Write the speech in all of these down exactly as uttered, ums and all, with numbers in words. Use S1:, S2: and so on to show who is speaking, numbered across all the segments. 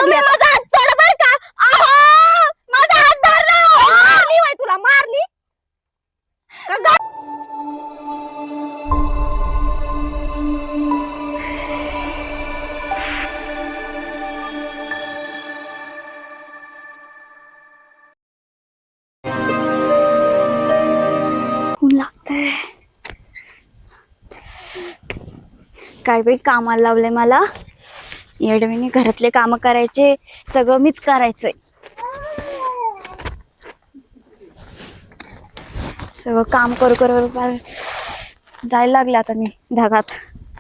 S1: लागली आता.
S2: माझा हात सोडा बर का. अहो माझा हात धरला.
S1: मारली होय तुला मारली का ग?
S2: लागतंय काय बाई कामाला लावलंय मला. येडवीने घरातले काम करायचे सगळं मीच करायचंय. सगळं काम करू करू जायला लागले आता मी ढगात.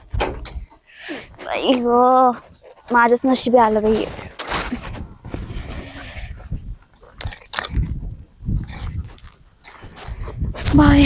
S2: बाई ग माझ्याच नशिबी आलं बाई. बाय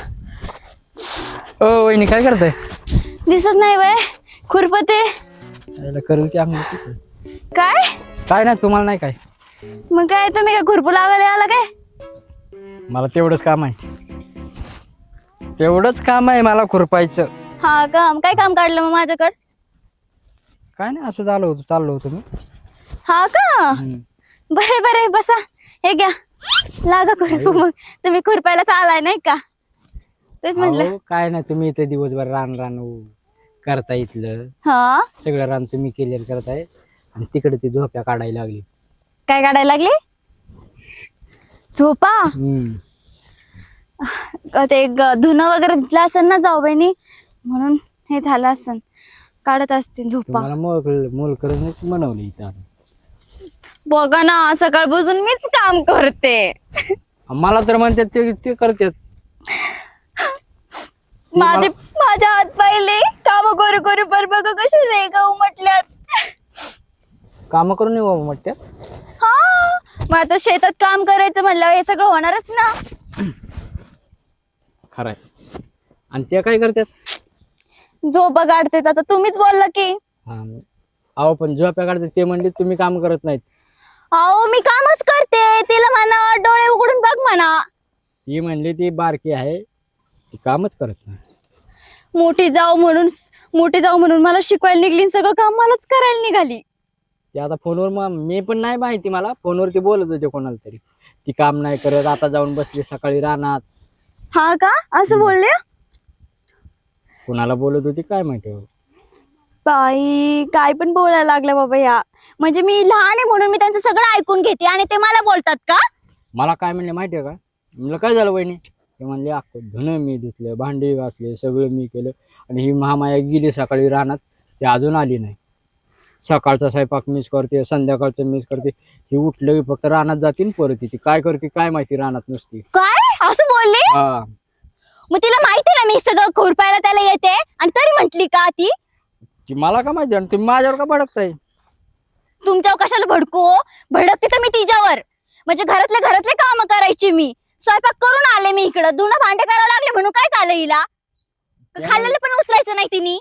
S3: ओ वहिनी काय करताय?
S2: दिसत नाही बाय खुरपते
S3: करू की आम्ही
S2: काय
S3: काय नाही तुम्हाला नाही काय.
S2: मग काय तुम्ही काय खुरपू लावायला आला काय?
S3: मला तेवढंच काम आहे तेवढंच काम आहे मला खुरपायचं.
S2: हा काम काय काम काढलं मग माझ्याकडं?
S3: काय नाही असं झालं होतं चाललो होतो मी.
S2: हा का बरे बरे बसा हे घ्या लागा खुरपू. मग तुम्ही खुरपायला आलाय नाही का तेच म्हटलं.
S3: अहो, काय नाही तुम्ही इथे दिवसभर रान रान करता इथलं
S2: हा
S3: सगळं रान तुम्ही क्लिअर करताय आणि तिकडे ती झोप्या काढायला लागली.
S2: काय काढायला लागली? झोपा
S3: हम्म
S2: ते ग- धुणं वगैरे धुतलं असेल ना जाऊ बहिणी म्हणून हे झालं असेल काढत असतील झोपा.
S3: तुम्हाला मोल मोल करूनच बनवलं इथं.
S2: बघा ना सकाळ बुजून मीच काम करते.
S3: मला तर म्हणतात ते ते करतात.
S2: माझे माझ्या हात पाहिले काम करू करू पर बघा कसे रेगा उमटल्यात.
S3: काम करून येऊ म्हणतात.
S2: हा मग आता शेतात काम करायचं म्हणलं हे सगळं होणारच ना.
S3: खरंय आणि ते काय करतात?
S2: झोपा काढते आता तुम्हीच बोलला की.
S3: हा अहो पण झोप्या काढतात ते म्हणले तुम्ही काम करत नाहीत.
S2: अहो मी कामच करते तिला म्हणा डोळे उघडून बघ म्हणा.
S3: ती म्हणली ती बारकी आहे ती कामच करत नाही.
S2: मोठी जाऊ म्हणून मोठी जाऊ म्हणून मला शिकवायला निघली सगळं काम मलाच करायला निघाली.
S3: ते आता फोनवर मग मी पण नाही माहिती मला फोनवर ती बोलत होते कोणाला तरी ती काम नाही करत आता जाऊन बसली सकाळी रानात.
S2: हा का असं बोलले?
S3: कोणाला बोलत होती काय माहिती.
S2: बाई काय पण बोलायला लागल्या बाबा या. म्हणजे मी लहान आहे म्हणून मी त्यांचं सगळं ऐकून घेते आणि ते मला बोलतात का?
S3: मला काय म्हणले माहितीये का? म्हणलं काय झालं वहिनी? ते म्हणले अख्खं धुणं मी धुतलं भांडी घासले सगळं मी केलं आणि ही महामाया गेली सकाळी रानात ती अजून आली नाही. सकाळचा स्वयंपाक मीच करते संध्याकाळचं मीच करते ही उठलं की फक्त रानात जातील परत येते काय करते काय माहिती रानात नुसती.
S2: काय असं बोलले?
S3: हा
S2: मग तिला माहिती ना मी सगळं खुरपायला त्याला येते आणि तरी म्हंटली का ती?
S3: ती मला का माहिती आणि तुम्ही माझ्यावर का भडकताय?
S2: तुमच्यावर कशाला भडकू? भडकते तर मी तिच्यावर. म्हणजे घरातले घरातले काम करायची मी स्वयंपाक करून आले मी इकडं धुणं भांडे करायला लागले म्हणून काय झालं हिला? खाल्लेलं पण उचलायचं नाही तिने.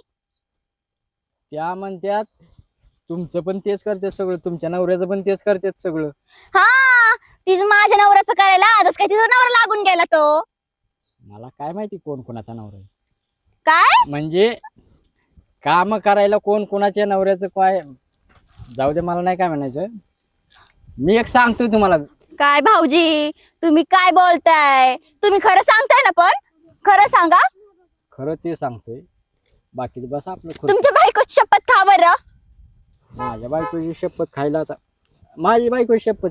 S3: त्या म्हणतात तुमचं पण तेच करतात सगळं तुमच्या नवऱ्याचं पण तेच करतात सगळं.
S2: हा तिचं माझ्या नवऱ्याचं करायला आजच काय तिचा नवरा लागून गेला तो.
S3: मला काय माहिती कोण कोणाचा नवरा आहे.
S2: काय
S3: म्हणजे काम करायला कोण कोणाच्या नवऱ्याचं काय जाऊ दे मला नाही काय म्हणायचं. मी एक सांगतोय तुम्हाला.
S2: काय भाऊजी तुम्ही काय बोलताय? तुम्ही खरं सांगताय ना पण खरं सांगा.
S3: खरं ते सांगतोय बाकी बस आपलं खुद.
S2: तुमच्या बायकोची शपथ खा बरं.
S3: माझ्या बायकोची शपथ खायला आता माझी बायकोची शपथ.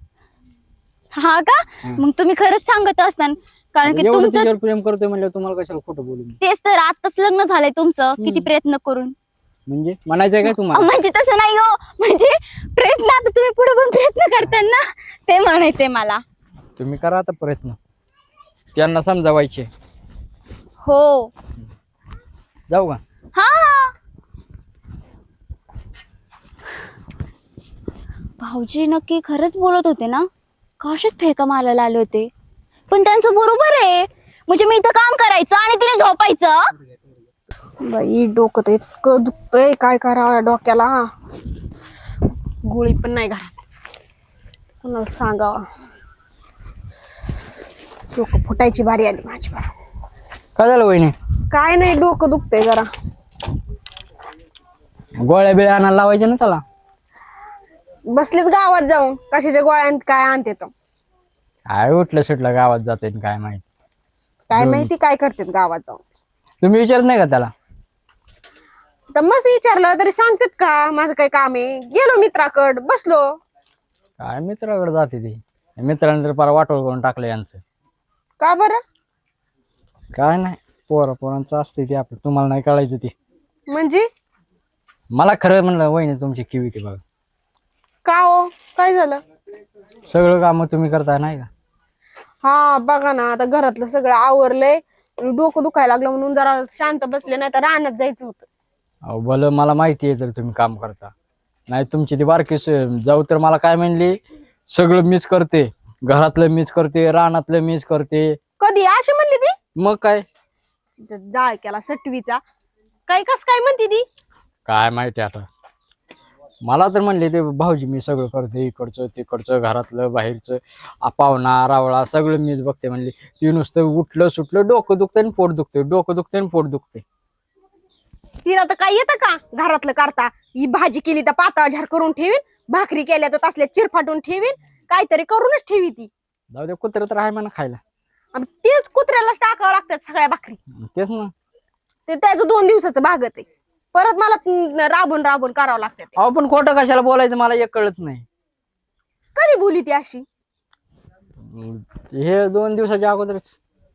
S2: हा का मग तुम्ही खरंच सांगत असताना कारण की
S3: एवढं
S2: तुमचं
S3: तिच्यावर प्रेम करतोय म्हणलं तुम्हाला कशाला खोटं बोलू मी?
S2: तेच तर आताच लग्न झालंय तुमचं किती प्रयत्न करून.
S3: म्हणजे म्हणायचंय काय तुम्हाला?
S2: म्हणजे तसं नाही हो म्हणजे प्रयत्न आता तुम्ही पुढे पण प्रयत्न करताय ना ते म्हणायचंय मला.
S3: तुम्ही करा आता प्रयत्न त्यांना समजावायचे.
S2: हो
S3: जाऊ का?
S2: हा भाऊजी नक्की खरंच बोलत होते ना? काशात फेका मारायला आले होते पण त्यांचं बरोबर आहे. म्हणजे मी इथं काम करायचं आणि तिने झोपायचं.
S1: बाई डोकं तर इतकं दुखतंय काय करावं डोक्याला. गोळी पण नाही घरात कोणाला सांगावा. डोकं फुटायची बारी आली माझी.
S3: काय झालं वहिनी?
S1: काय नाही डोकं दुखतंय जरा.
S3: गोळ्या बिळ्या आणायला लावायच्या ना त्याला.
S1: बसलेत गावात जाऊन कशाच्या गोळ्यात काय आणते तो
S3: काय उठलं सुटलं गावात जाते काय माहिती.
S1: काय
S3: दोन्ही.
S1: माहिती काय करतात गावात जाऊन.
S3: तुम्ही विचारत नाही का त्याला?
S1: तर मस्त विचारलं तरी सांगतात का माझं काय काम आहे. गेलो मित्राकड बसलो.
S3: काय मित्राकडे जाते ती. मित्रांनी तर पार वाटोळ करून टाकलं यांचं.
S1: का बरं?
S3: काय नाही, पोरा पोरांचं असते ते आपलं, तुम्हाला नाही कळायचं ते.
S1: म्हणजे
S3: मला खरं म्हणलं वहिनी तुमची किवी ती बघा.
S1: का हो काय झालं?
S3: सगळं काम तुम्ही करताय नाही का?
S1: हा बघा ना आता घरातलं सगळं आवरलंय. डोकं दुखायला लागलं म्हणून जरा शांत बसले, नाही तर रानात जायचं होतं.
S3: अहो भलं मला माहिती आहे तर तुम्ही काम करता. नाही तुमची ती बारकी स- जाऊ तर मला काय म्हणली, सगळं मीच करते, घरातलं मीच करते, रानातलं मीच करते.
S1: कधी अशी म्हणली ती?
S3: मग काय
S1: तिचा जाळ केला सटवीचा. काय कस काय म्हणती ती?
S3: काय माहिती आता. मला तर म्हणले ते भाऊजी मी सगळं करते, इकडचं तिकडचं घरातलं बाहेरचं, आ, पाहुणा रावळा सगळं मीच बघते म्हणली. ती नुसतं उठलं सुटलं डोकं दुखतंय आणि पोट दुखते, डोकं दुखतंय आणि पोट दुखते.
S1: तिला तर काय येतं का घरातलं करता? ही भाजी केली तर पातळ झार करून ठेवीन, भाकरी केल्या तर तसल्या चिरफाटून ठेवीन, काहीतरी करूनच ठेवी ती.
S3: जाऊ दे, कुत्र तर आहे म्हणा खायला.
S1: आणि तेच कुत्र्यालाच टाकावं लागतात सगळ्या भाकरी.
S3: तेच ना.
S1: ते त्याचं दोन दिवसाचं भागत आहे. परत मला त- राबून राबून करावं लागतं ते.
S3: अहो पण खोटं कशाला बोलायचं मला एक कळत नाही.
S1: कधी बोली ती अशी?
S3: हे दोन दिवसाच्या अगोदरच.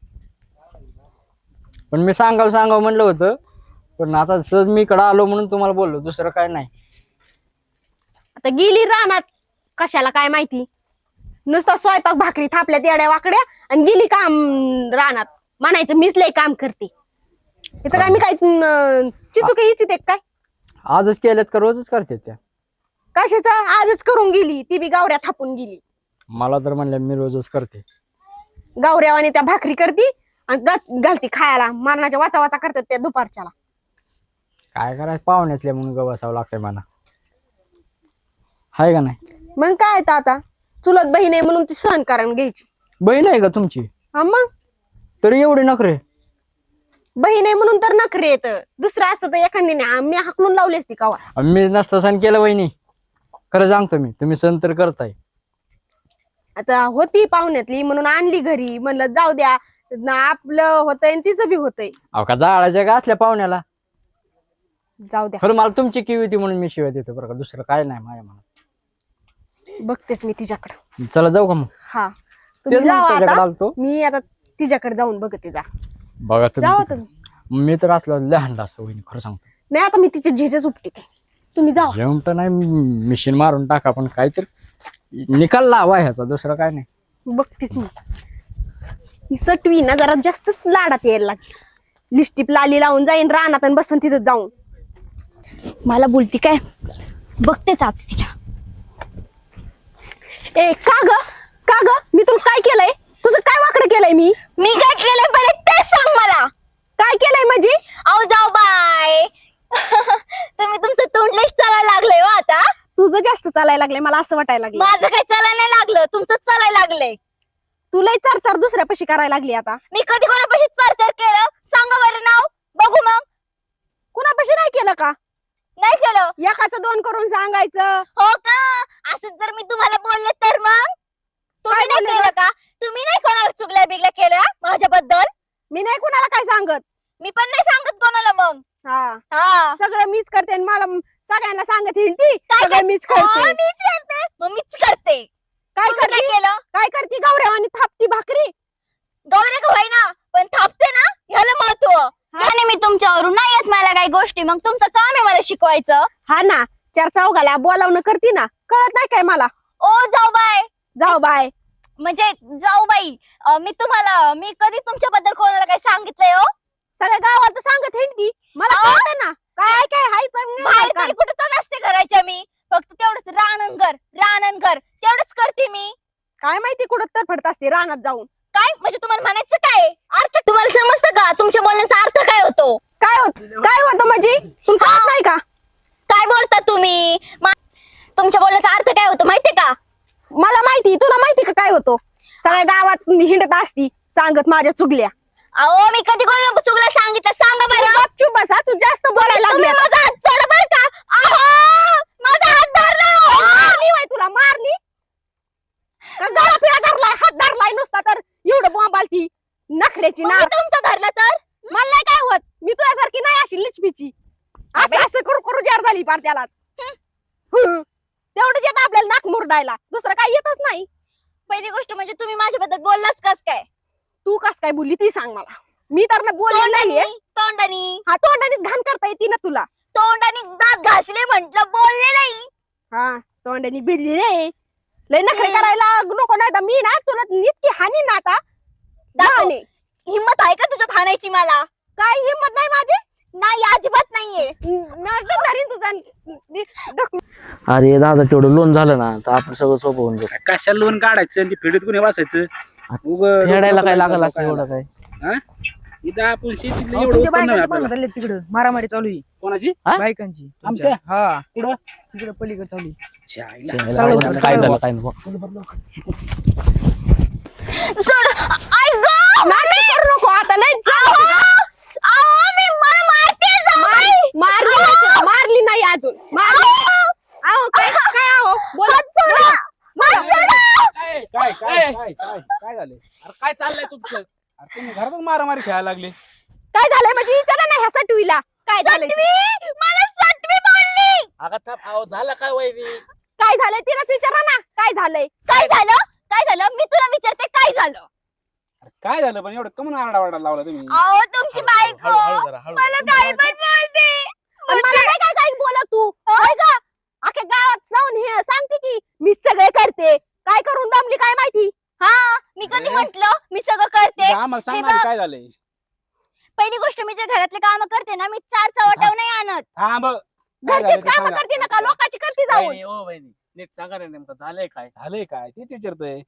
S3: पण मी सांगावं सांगावं म्हणलं होतं, पण आता सहज मी इकडं आलो म्हणून तुम्हाला बोललो, दुसरं काय नाही.
S1: आता गेली रानात कशाला काय माहिती. नुसतं स्वयंपाक भाकरी थापल्या तेड्या वाकड्या आणि गेली काम रानात. म्हणायचं मीच लय काम करते. इथं काय मी काय न- चिचुके इच्छिते काय?
S3: आजच केल्यात का रोजच करते त्या?
S1: कशाचं आजच करून गेली, ती बी गावऱ्या थापून गेली.
S3: मला तर म्हणलं मी रोजच करते.
S1: गावऱ्यावानी त्या भाकरी करती आणि गा- घालती खायला. मरणाच्या वाचा वाचा करतात त्या दुपारच्याला.
S3: काय करायचं, पाहुण्यातल्या म्हणून ग बसावं लागतंय मला, हाय का नाही?
S1: मग काय तर आता चुलत बहीण आहे म्हणून ती सहन करून घ्यायची.
S3: बहीण आहे का तुमची?
S1: हा मग
S3: तरी एवढे नखरे?
S1: बहीण आहे म्हणून तर नखरे येत. दुसरं असतं तर एखाद्याने मी हाकलून लावली असती कवा.
S3: आणि मी नसतं सण केलं वहिनी, खरं सांगतो मी, तुम्ही सण तर करताय.
S1: आता होती पाहुण्यातली म्हणून आणली घरी. म्हणलं जाऊ द्या, ना आपलं होतंय आणि तिचं बी होतंय.
S3: अहो का जाळाच्या का असल्या पाहुण्याला?
S1: जाऊ द्या,
S3: खरं मला तुमची किवी होती म्हणून मी शिवाय देतो बरं का, दुसरं काय नाही माझ्या मनात.
S1: बघतेस मी तिच्याकडं.
S3: चला जाऊ का मग?
S1: हा तुम्ही
S3: तेच मग
S1: जावा
S3: त्याच्याकडे
S1: आता.
S3: आलतो.
S1: मी आता तिच्याकडे जाऊन बघते. जा
S3: बघा
S1: जावा
S3: तुम्ही.
S1: तुम्ही.
S3: मी तर असलं लहान असतं वहिनी, खरं सांगतो.
S1: नाही आता मी तिचे झेजेच उपटीते. तुम्ही जावा.
S3: जेवण तर नाही, मिशीन मारून टाका, पण काहीतरी निकाल लावा ह्याचा, दुसरं काय नाही.
S1: बघतीस मी. ही सटवी ना जरा जास्तच लाडात यायला लागली. लिस्टिप लाली लावून जाईन रानात आणि बसन तिथं जाऊन.
S2: मला बोलती काय, बघतेच आज तिला.
S1: ए का ग का ग मी तुला काय केलंय? तुझं काय वाकडं केलंय मी?
S2: मी काय केलंय पहिले ते सांग मला.
S1: काय केलंय म्हणजे?
S2: अहो जाऊ बाय. तुम्ही तुमचं तोंडलेच चालायला लागलंय हो आता.
S1: तुझं जास्त चालायला लागलंय मला असं वाटायला लागलं.
S2: माझं काही चालायला नाही लागलं, तुमचंच चालायला लागलंय.
S1: तुलाही चार चार दुसऱ्यापाशी करायला लागली आता.
S2: मी कधी कोणापाशी चर्चा केलं सांगा बरं नाव बघू. मग
S1: कुणापाशी नाही केलं का?
S2: नाही केलं.
S1: एकाचं दोन करून सांगायचं.
S2: हो का? असं जर मी तुम्हाला बोलले तर मग तुम्ही
S1: काय
S2: नाही
S1: बोलले
S2: केलं का? तुम्ही नाही कोणाला चुगल्या बिगल्या केल्या माझ्याबद्दल?
S1: मी नाही कुणाला काय सांगत.
S2: मी पण नाही सांगत कोणाला. मग
S1: हा
S2: हा
S1: सगळं मीच करते आणि मला सगळ्यांना सांगत हिंडती.
S2: काय
S1: सगळं
S2: कर-
S1: मीच
S2: हो,
S1: करते.
S2: मीच करते. मग मीच करते.
S1: काय
S2: तुम्ही काय
S1: करते?
S2: केलं?
S1: काय करते गौऱ्यावानी थापती भाकरी.
S2: गौरे का होईना पण थापते ना, ह्याला महत्व. आणि मी तुमच्यावरून नाही येत मला काही गोष्टी, मग तुमचं काम आहे मला शिकवायचं.
S1: हा ना, चार चौघाला बोलावणं करती ना, कळत नाही काय मला?
S2: ओ जाऊ बाय.
S1: जाऊ बाय
S2: म्हणजे जाऊ बाई, अं, मी तुम्हाला मी कधी तुमच्याबद्दल कोणाला काही सांगितलंय हो?
S1: सगळ्या गावात सांगत हिंडती. मला
S2: अहो.
S1: कळत ना काय काय हाय तर नाही
S2: बाहेर
S1: का?
S2: तरी कुठं तर नसते घराच्या मी. फक्त तेवढंच रानंगर रानंगर तेवढंच करते मी.
S1: काय माहिती कुठं तर फडत असते रानात जाऊन.
S2: काय म्हणजे तुम्हाला म्हणायचं काय अर्थ तुम्हाला समजतं का? तुमच्या बोलण्याचा अर्थ काय होतो?
S1: काय होत काय होतं म्हणजे तुला कळत नाही का?
S2: काय बोलता तुम्ही? मा- तुमच्या बोलण्याचा अर्थ काय होतो माहितीये का?
S1: मला माहिती, तुला माहिती का काय होतो? सगळ्या गावात हिंडत असती सांगत माझ्या चुगल्या.
S2: अहो मी कधी कोणाला चुकलं सांगितलं सांगा बरं.
S1: गपचूप बसा, तू जास्त बोलायला लागली
S2: तुम्ही
S1: आता.
S2: माझा हात सोडा बरं का. अहो माझा हात धरला.
S1: मारली होय सोन्याची
S2: मग
S1: नार
S2: मी तुमचं धरलं तर
S1: मला नाही काय होत मी तुझ्यासारखी नाही अशी लिचपीची असं असं करू करू जार झाली पार त्यालाच हं. तेवढंच येत आपल्याला नाक मुरडायला दुसरं काही येतच नाही.
S2: पहिली गोष्ट म्हणजे तुम्ही माझ्याबद्दल बोललाच कस काय
S1: तू कस काय बोलली ती सांग मला. मी तर ना बोलले नाहीये.
S2: तोंडानी
S1: हा तोंडानेच घाण करता येते ना तुला.
S2: तोंडानी दात घासले म्हंटल बोलले नाही.
S1: हा तोंडाने भिडली रे लय नखरे करायला नको नाही तर मी ना तुला इतकी हानी ना आता
S2: दाखव.
S1: दाखवणे.
S2: हिम्मत आहे का तुझ्यात हाणायची मला?
S1: काय हिंमत नाही माझी
S2: नाही अजिबात नाहीये.
S1: नाश्ता धरीन तुझा नि- ढकलून.
S4: अरे दादा तेवढं लोन झालं ना तर आपण सगळं सोपं होऊन जाईल.
S5: कशाला लोन काढायचं आणि ते फेडीत कुणी वाचायचं उगं
S4: फेडायला काय
S5: डोकं
S4: लागल
S5: डोकं
S4: असं एवढं काय?
S5: हा? इथं आपण शेतीतलं
S6: अहो,
S5: एवढं
S6: तुमच्या
S5: उत्पन्न आहे
S6: बायकांची
S5: आपल्याला.
S6: भांडणं चालली तिकडं मारामारी चालू आहे
S5: कोणाची
S4: हा?
S6: बायकांची
S5: आमच्या?
S6: तुमच्या. हा
S5: कुठं
S6: तिकडे पलीकडे चालू आहे.
S5: चायला.
S6: चालू
S4: काय
S6: आहे.
S4: काय झालं काय नको
S2: सोड. आई गं!
S1: नाटक करू नको आता लय
S2: अहो! अहो, मी मला मारते जाऊबाई.
S1: मारली नाही- मारली नाही अजून मारली. आहो काय काय आहो बोला बोला.
S2: हात सोडा.
S5: काय काय काय काय काय काय झालं अरे काय चाललंय तुमचं अरे तुम्ही घरातच मारामारी खेळायला लागले.
S1: काय झालंय म्हणजे विचारा ना ह्या सटवीला काय झालंय ते?
S2: सटवी! मला सटवी बोलली.
S4: झालं काय वैरी
S1: काय झालंय तिलाच विचारा ना काय झालंय.
S2: काय झालं? काय झालं? मी तुला विचारते काय झालं?
S5: अरे काय झालं पण एवढं कमून आरडावारडा लावला तुम्ही
S2: अहो तुमची बायको मला काय पण बोलते.
S1: आणि मला काय काय काय बोलत तू होय का अख्या गावात जाऊन हे सांगते की मी सगळे करते काय करून दमली काय माहिती.
S2: हा मी कधी
S5: अरे.
S2: म्हंटल मी सगळं करते.
S5: इथं आम्हाला सांग
S2: हे
S5: ना
S2: बघ.
S5: काय झालंय.
S2: पहिली गोष्ट मी जे घरातले काम करते ना मी चार चवटाव नाही आणत.
S5: हा मग काय झालं
S1: घरचीच
S5: ते
S1: काम
S5: सांगा.
S1: करते ना का लोकांची करते जाऊन.
S4: वहिनी, ओ वहिनी नीट सांगा ना नेमकं झालंय काय?
S5: झालंय काय तेच विचारतोय.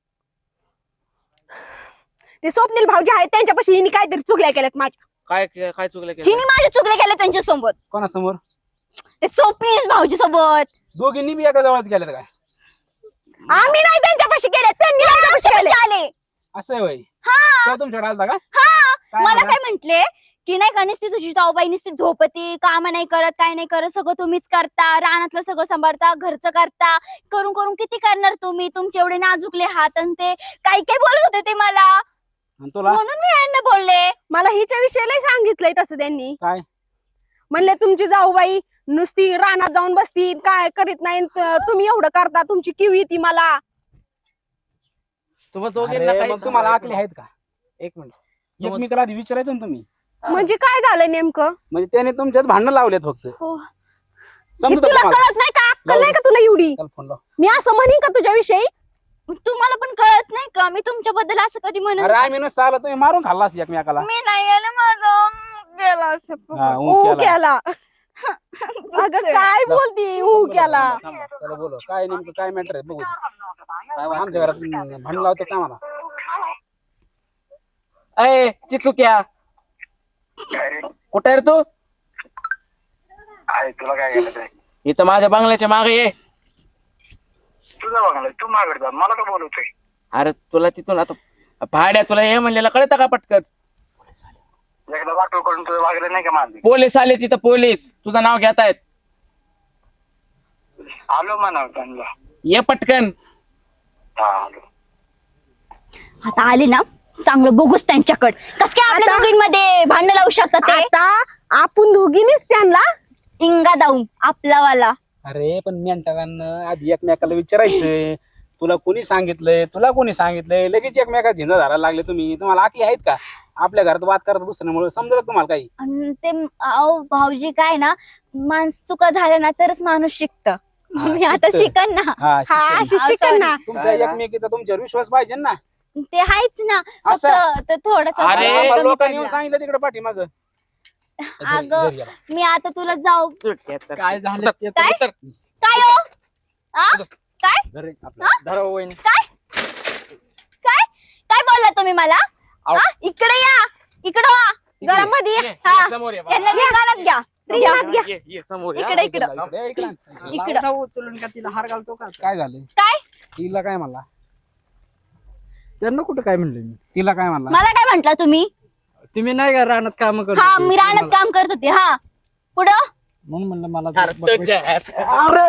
S1: ते स्वप्नील भाऊजी आहेत त्यांच्यापाशी हिने काहीतरी चुकल्या केल्यात माझ्या.
S4: काय काय चुकलं केलं?
S2: हिने माझे चुकले केले त्यांच्या सोबत.
S5: कोणासमोर
S2: ते स्वप्नील भाऊजी सोबत.
S5: दोघींनी बी एका जवळच गेल्यात काय
S1: आम्ही नाही त्यांच्यापाशी केले त्यांनी आमच्यापाशी केले.
S2: आले.
S5: असं आहे वय
S2: हा
S5: तेव्हा तुमच्याकडे आलता का
S2: हा
S5: काय
S2: मला
S5: म्हणा?
S2: काय म्हंटले की नाही का नुसती तुझी जाऊबाई नुसती झोपती काम नाही करत काय नाही करत सगळं तुम्हीच करता रानातलं सगळं सांभाळता घरचं करता करून करून किती करणार तुम्ही तुमचे एवढे नाजुकले हात आणि ते काही काही बोलत होते ते मला
S5: आणि तुला
S2: म्हणून मी यांना बोलले.
S1: मला हिच्या विषयीला सांगितलंय तसं त्यांनी
S5: काय
S1: म्हणले तुमची जाऊबाई नुसती रानात जाऊन बसती काय करीत नाही त- तुम्ही एवढं करता तुमची किव येते मला.
S4: तुम्हाला दोघींना
S5: अरे,
S4: काय
S5: मग तुम्हाला आकली आहेत का
S4: एक मिनिट
S5: एकमेकाला आधी विचारायचं ना तुम्ही
S1: म्हणजे काय झालं नेमकं
S5: म्हणजे त्याने तुमच्यात भांडण लावलेत फक्त
S2: हो.
S1: हे
S5: समजतं
S1: तुला
S5: तुम्हाला
S1: कळत नाही का अक्कल
S5: लावू
S1: नाही
S5: दे.
S1: का तुला एवढी
S5: त्याला फोन लाव.
S1: मी असं म्हणीन का तुझ्याविषयी.
S2: तुम्हाला पण कळत नाही का मी तुमच्याबद्दल असं कधी म्हणत
S5: अरे आम्ही नसतं आला तुम्ही मारून खाल्ला असं एकमेकाला
S2: मी नाही गेलं माझं गेला असं
S5: हा, ऊ
S1: ऊ
S5: केला.
S1: केला अगं काय बोलती ऊ केला.
S5: थांबा, त्याला बोलव काय नेमकं काय मॅटर आहे बघू काय आमच्या घरात भांडण लावतो का मला
S4: अय चिचुक्या कुठे आहे रे तू?
S7: आहे तुला काय करायचं
S4: इथं माझ्या बंगल्याच्या मागे ये.
S7: तुझा बघायला तू मागड जा मला का बोलवतोय
S4: अरे तुला तिथून आता भाड्या तुला हे म्हणलेलं कळतं का पटकन?
S7: एकदा वाटो करून तुझं वागलं नाही का माझं
S4: पोलीस आले तिथं पोलीस तुझं नाव घेत आहेत.
S7: आलो म्हणा त्यांना
S4: ये पटकन.
S7: हा आलो
S2: आता आले ना चांगलं बघूच त्यांच्याकडे कस काय आपल्या
S1: आता-
S2: दोघींमध्ये भांडण लावू शकतात ते
S1: आता आपण दोघींनीच त्यांना
S2: इंगा दाऊन आपला वाला.
S5: अरे पण मेंटकांना आधी एकमेकाला विचारायचं तुला कोणी सांगितलंय तुला कोणी सांगितलंय लगेच एकमेका झिंजा धरायला लागले तुम्ही तुम्हाला आकली आहेत का आपल्या घरात वाद करत दुसऱ्यामुळे समजत तुम्हाला काही
S2: अन ते अहो भाऊजी काय ना माणूस चुका झाल्या ना तरच माणूस शिकत मी आता
S5: शिकतं.
S2: शिकन ना
S5: हा
S1: हा
S5: शिकतं.
S1: अशी
S2: हा,
S1: शिकन
S2: sorry.
S1: ना.
S5: तुमच्या एकमेकीचा तुमच्यावर विश्वास पाहिजे ना
S2: ते आहेच ना
S5: असं?
S2: फक्त थोडस
S4: अरे,
S5: आम्हाला लोकांनी येऊन सांगितलं तिकडे पाठी मग
S2: अगं मी आता तुला जाऊ
S3: काय झालं ते तर
S2: काय?
S3: उत्तर.
S2: काय हो आ? काय
S3: घरी आपलं.
S2: हा?
S3: धरा हो वहिनी.
S2: काय काय काय बोलला तुम्ही मला
S3: आव.
S2: आ? इकडे या इकडे वा
S1: जरा मध्ये ये.
S4: ये,
S2: हा.
S4: ये समोर ये,
S2: यांना रिंगाणात घ्या
S1: रिंगणात घ्या.
S4: ये, ये, समोर ये.
S2: इकडे इकडं
S5: इकडे, इकडे.
S2: इकडं.
S3: लावला उचलून का तिला हार घालतो का?
S5: काय झालं
S2: काय
S5: तिला काय म्हणला
S3: त्यांना कुठं काय म्हणलं मी?
S5: तिला काय म्हणला
S2: मला काय म्हंटला तुम्ही
S3: तुम्ही नाही का रानात काम करत
S2: हा
S3: होते?
S2: मी रानात काम करत होते हा पुढं
S3: म्हणून म्हणलं मला
S4: अरे,
S3: बघ-
S4: तुझ्या हात.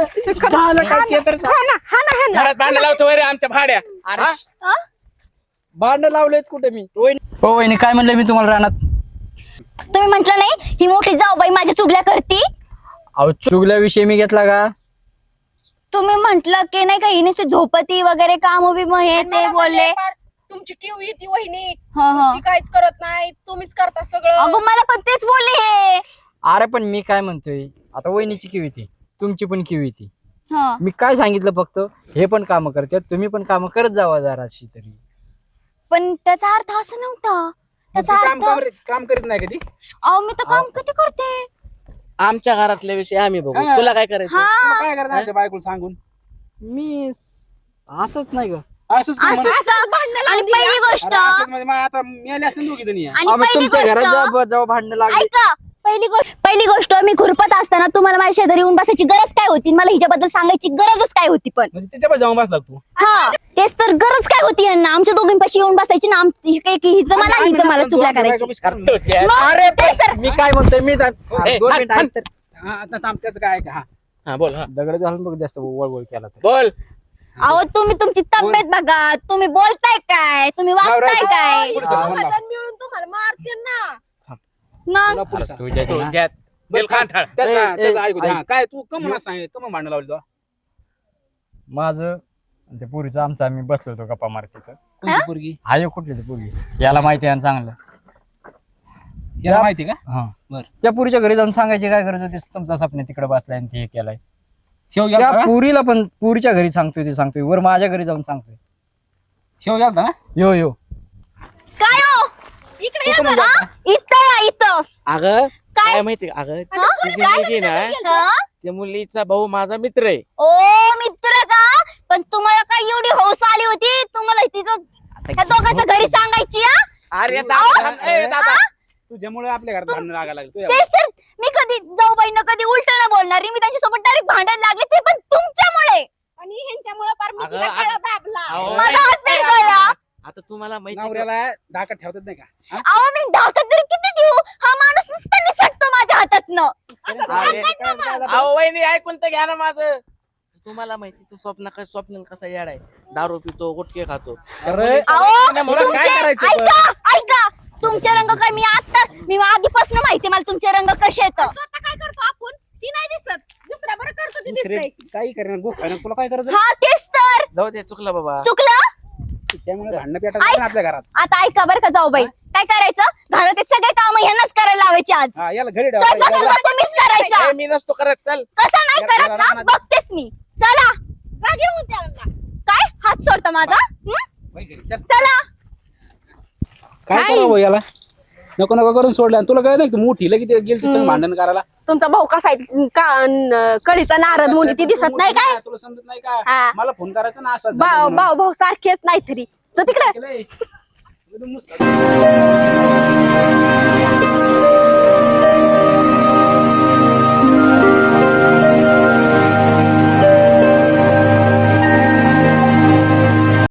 S1: हा ना हा ना हा ना.
S4: घरात भांडण लावतो रे आमच्या भाड्या
S3: अरे
S2: हा?
S3: भांडण लावलेत कुठे मी वहिनी हो वहिनी काय म्हणलं मी तुम्हाला रानात
S2: तुम्ही म्हंटल नाही ही मोठी जाऊबाई माझ्या चुगल्या करती.
S3: अहो चुगल्याविषयी मी घेतला का
S2: तुम्ही म्हंटल की नाही का हिने झोपती वगैरे काम उभी मग हे
S1: आणि
S2: ते
S1: मला
S2: बोलले.
S1: म्हणले, "पार तुमची टीव येते वहिनी
S2: हा हा
S1: ती काहीच करत नाही तुम्हीच करता सगळं."
S2: अगं मला पण तेच बोलले हे.
S3: अरे पण मी काय म्हणतोय आता वहिनीची किव येते तुमची पण किव येते
S2: हा.
S3: मी काय सांगितलं फक्त हे पण काम करतात तुम्ही पण काम करत जावा जराशी तरी
S2: पण त्याचा अर्थ असं नव्हता.
S5: मग
S2: त्याचा
S5: ती काम
S2: अर्थ
S5: काम- काम करीत नाही कधी
S2: अहो मी तर काम किती करते.
S4: आमच्या घरातल्या विषयी आम्ही बघू
S5: हा.
S4: तुला काय करायचं
S2: हा
S5: तुला काय करायचं आमच्या बायकोला सांगून
S3: मी असंच नाही का
S5: असंच करू
S2: असं
S5: म्हणा.
S2: असं- आणि पहिली गोष्ट
S5: अरे असंच म्हणजे मग आता मिळाले असेल दोघी जणी
S2: आणि
S3: आम्ही
S2: पहिली
S3: तुमच्या घरात
S2: गोष्ट
S3: जेव्हा जेव्हा भांडणं लागली
S2: ऐका पहिली गोष्ट पहिली गोष्ट मी खुरपत असताना तुम्हाला माझ्या शेजारी येऊन बसायची गरज काय होती मला हिच्याबद्दल सांगायची गरजच काय होती पण
S5: म्हणजे त्याच्यावर जाऊन बसला तू
S2: हा तेच तर गरज काय होती यांना आमच्या दोघींपाशी येऊन बसायची ना आम- हि- हि- हिचं मला आणि हिचं मला चुगल्या करायची मग
S3: अरे
S2: तेच तर
S3: मी काय म्हणतोय मी जा-
S4: ए,
S3: दोन
S4: हात-
S3: मिनिटं ऐक तर.
S5: हा आता थांब त्याचं काय आहे का हा
S4: हा बोल हा
S3: दगड घालून बघ जास्त वळवळ केला तर
S4: बोल
S2: अहो तुम्ही तुमची तब्येत बघा तुम्ही बोलताय काय तुम्ही वागताय काय
S5: पुढे
S1: दोघं
S5: चला, बोला.
S1: जण मिळून तुम्हाला मारतील ना.
S2: मग
S5: तुला पुढे सांग.
S3: तुझ्या
S4: तू
S3: ना.
S4: घ्या. दिल खान ठाळ.
S5: त्याचं-
S3: ए, ए,
S5: त्याचं ऐकू दे.
S3: ऐक.
S5: हा, काय तू कम सांग कम भांडण लावली तुला
S3: माझं आणि ते पुरीचं आमचं आम्ही बसलो होतो गप्पा मारत तिथं
S5: कोणती पोरगी
S3: हा एक कुठली ती पोरगी याला माहिती आहे ना चांगलं
S5: याला माहिती का
S3: हा
S5: बर
S3: त्या पुरीच्या घरी जाऊन सांगायची काय गरज होती तुमचा स्वप्न तिकडे बसलाय आणि ते हे केलाय
S5: शेव
S3: त्या
S5: गेलता का?
S3: पुरीला पण पुरीच्या घरी सांगतोय ते सांगतोय वर माझ्या घरी जाऊन सांगतोय
S5: शेव गेलता ना
S3: यो यो
S2: काय हो
S1: इकडे या
S5: तू पण
S1: जरा.
S2: हा? इथं या, इथं
S4: अगं
S2: काय?
S4: काय माहिती का? अगं
S2: हा?
S4: तिची
S2: काय?
S4: मुलगी ना
S2: हा?
S4: त्या मुलीचा भाऊ माझा मित्र आहे
S2: ओ मित्र का पण तुम्हाला काय एवढी हौस आली होती तुम्हाला तिचं त्या दोघांच्या घरी सांगायची हा?
S4: अरे
S5: अहो,
S4: दादा थांब, ए, दादा
S5: तुझ्यामुळे आपल्या घरात भांडण लागायला लागलं तुझ्या
S2: तेच तर मी कधी जाऊ बाईंना कधी उलट न बोलणारी मी त्यांच्यासोबत डायरेक्ट भांडायला लागले ते पण तुमच्यामुळे
S1: आणि ह्यांच्यामुळे पार मी
S4: अगं,
S1: तिला
S4: अगं.
S1: गळा दाबला.
S4: अहो,
S2: माझा हात नाही गळला.
S4: आता तुम्हाला माहिती का?
S5: नवऱ्याला डाकात ठेवतात नाही का हा?
S2: अहो मी धाकत तरी किती ठेवू हा माणूस नुसता निसटतो माझ्या हातातनं
S4: अरे, अहो वहिनी ऐकून तर घ्या ना माझं तुम्हाला माहिती तू स्वप्न का स्वप्न कसा येड आहे दारू पितो गुटखे खातो
S5: अरे
S2: अहो
S5: तुला काय
S2: तुमचे
S5: करायचं पण?
S2: ऐका ऐका तुमचे रंग काय मी आता मी आधीपासून माहिती मला तुमचे रंग कसे येतं
S1: स्वतः काय करतो आपण ती नाही दिसत दुसऱ्या बरं करतो ती
S5: दुसरे
S1: दिसतंय.
S5: काही करणार गोखायला तुला काय करायचं
S2: हा तेच तर
S4: जाऊ दे चुकलं बाबा
S2: चुकलं
S5: त्यामुळे भांडणं पेटायचं ना आपल्या घरात
S2: आता ऐका बरं का जाऊ बाई काय करायचं घरात सगळे काम ह्यांनाच करायला लावायचे आज
S5: हा याला घरी
S2: स्वयंपाक
S5: ठेवा
S2: सुद्धा तुम्हीच करायचा
S4: ए, मी नसतो करत चल
S2: कसं नाही
S5: या-
S2: करत
S5: या
S2: ना
S5: रानात-
S2: बघतेच मी चला
S1: जा घेऊन त्याला.
S2: काय हात सोडता माझा हं?
S5: बाई घरी चल.
S2: चला
S5: काय करावं याला नको नको करून सोडलं आणि तुला काय नाही तू मोठी लगेच गेली संग भांडण करायला
S1: तुमचा भाऊ कसा आहे का न- कळीचा नारद मुनी ती दिसत नाही काय
S5: तुला समजत नाही
S1: हा.
S5: का मला फोन करायचा ना असं
S1: भाऊ भाऊ भाऊ सारखेच नाही तरी जा तिकडे
S5: केलंय. एकदम नुसतं.